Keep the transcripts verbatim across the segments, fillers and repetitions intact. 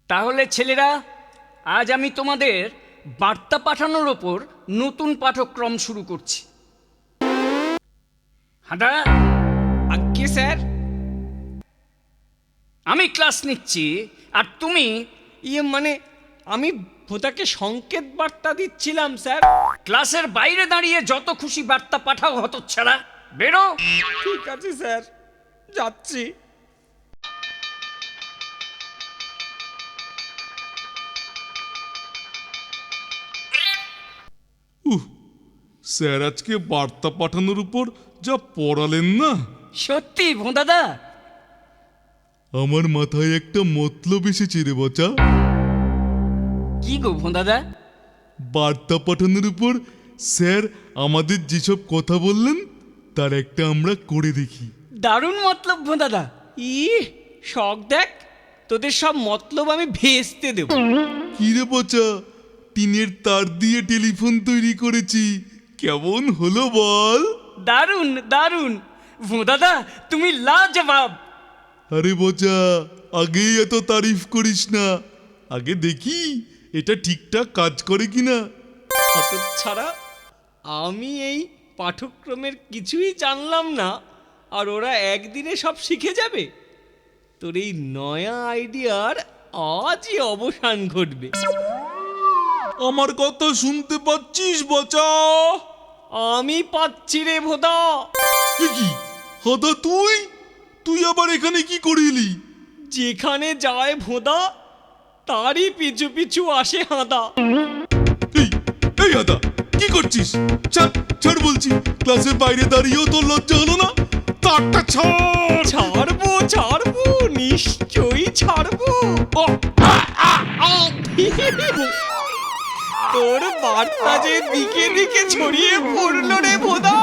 তাহলে ছেলেরা, আজ আমি তোমাদের বার্তা পাঠানোর ওপর নতুন পাঠক্রম শুরু করছি। হাঁদা, আজ্ঞে স্যার। আমি ক্লাস নিচ্ছি আর তুমি ইয়ে মানে আমি ভোদাকে সংকেত বার্তা দিচ্ছিলাম স্যার। ক্লাসের বাইরে দাঁড়িয়ে যত খুশি বার্তা পাঠাও হতচ্ছাড়া। বেরো। ঠিক আছে স্যার, যাচ্ছি। উহ, স্যার আজকে বার্তা পাঠানোর উপর যা পড়ালেন না, সত্যি ভোঁদাদা? আমার মাথায় একটা মতলব এসেছে রে বচা। কি গো ভোঁদাদা? বার্তা পাঠানোর উপর স্যার আমাদের যেসব কথা বললেন তার একটা আমরা করে দেখি। দারুণ মতলব ভোঁদাদা। ই শখ দেখ, তোদের সব মতলব আমি ভেস্তে দেব। কি রে বচা, টিনের তার দিয়ে টেলিফোন তৈরি করেছি, কেমন হলো বল? দারুণ দারুণ ভোঁদাদা, তুমি লাজবাব। আরে বচা, আগেই এত তারিফ করিস না, আগে দেখি এটা ঠিকঠাক কাজ করে কিনা। ছাড়া আমি এই পাঠ্যক্রমের কিছুই জানলাম না, আর ওরা একদিনে সব শিখে যাবে। তোর এই নয়া আইডিয়ার আজই অবসান ঘটবে। আমার কথা শুনতে পাচ্ছিস বচা? আমি পাচ্ছি রে ভোদা। এ কি হাদা, তুই তুই আবার এখানে কি করিলি? যেখানে যায় ভোদা তারই পিছু পিছু আসে হাঁদা। এই এই হাদা, কি করছিস? ছাড় ছাড় বলছি, ক্লাসের বাইরে দাঁড়িয়েও তোর লজ্জা হলো না? তারটা ছাড়। ছাড়বো ছাড়বো, নিশ্চয়ই ছাড়বো। ও, আ, আ, আ। তোর বার্তা যে দিকে দিকে ছড়িয়ে পড়লো রে ভোদা।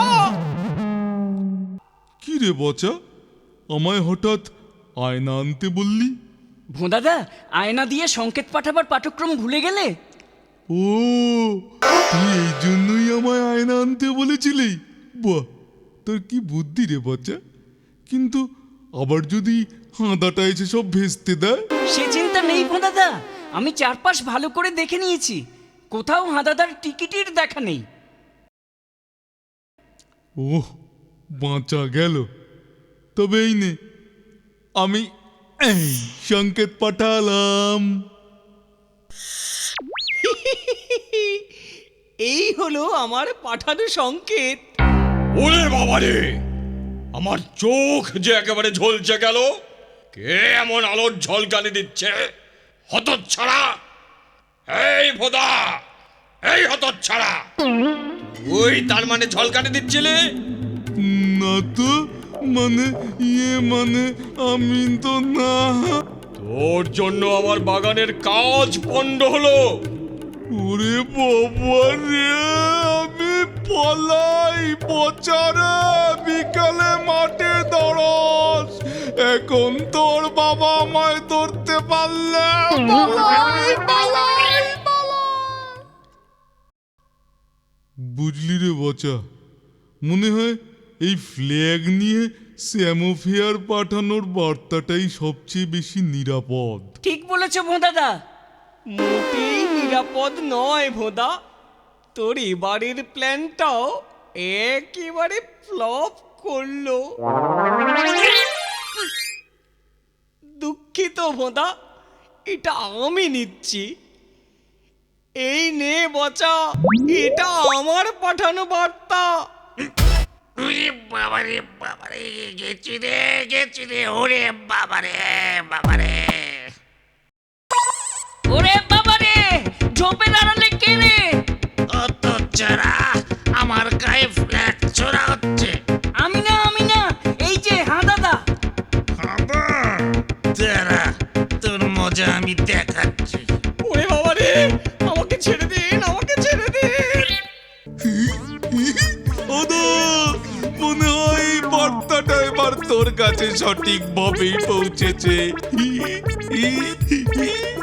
কি রে বচা, আমায় হঠাৎ আয়না আনতে বললি? ভোঁদাদা, আয়না দিয়ে সংকেত পাঠাবার পাঠক্রম ভুলে গেলে? ও, তুই এই জন্যই আমায় আয়না আনতে বলেছিলি? বাহ, তোর কি বুদ্ধি রে বচা। কিন্তু আবার যদি হাঁদাটা এসে সব ভেস্তে দেয়? সে চিন্তা নেই ভোঁদাদা, আমি চারপাশ ভালো করে দেখে নিয়েছি, কোথাও হাঁদাদার টিকিটির দেখা নেই। ওহ, বাঁচা গেল। তবে এই নে, আমি এই সংকেত পাঠালাম। এই হলো আমার পাঠানো সংকেত। ওরে বাবারে, আমার চোখ যে একেবারে ঝলসে গেল। কে এমন আলোর ঝলকানি দিচ্ছে? হতচ্ছাড়া! এই ভোদা, এই হতচ্ছাড়া, তুই তার মানে ঝলকানি দিচ্ছিলি? না তো, মানে ইয়ে মানে আমি তো না। তোর জন্য আমার বাগানের কাজ পণ্ড হলো। ওরে বাবা রে, আমি পলাই বচারে, বিকালে মাঠে দৌড়স, এখন তোর বাবা আমায় ধরতে পারলে পালাই, পালাই, পালাই। বুঝলি রে বচা, মনে হয় এই ফ্ল্যাগ নিয়ে স্যামোফেয়ার পাঠানোর বার্তাটাই সবচেয়ে বেশি নিরাপদ। ঠিক বলেছ ভোঁদাদা। মোটেই নিরাপদ নয় ভোদা। তোর এবারের প্ল্যানটাও একেবারে ফ্লপ করলো। দুঃখিত ভোদা, এটা আমি নিচ্ছি। এই নে বচা, এটা আমার পাঠানো বার্তা। ওরে বাবারে বাবারে, গেছি রে গেছি রে, ওরে বাবারে বাবারে। ওরে বাবারে, ঝোপে দাঁড়ালে কে রে? অত চারা, আমার গায়ে ফ্ল্যাট ছোড়া হচ্ছে। আমি না আমি না, এই যে হাঁদাদা। হাঁদা, তারা তোর মজা আমি দেখাচ্ছি। ওরে বাবারে, আমাকে ছেড়ে দিন, আমাকে ছেড়ে দিন। ওদা, মনে হয় এই বার্তাটা এবার তোর কাছে সঠিকভাবেই পৌঁছেছে।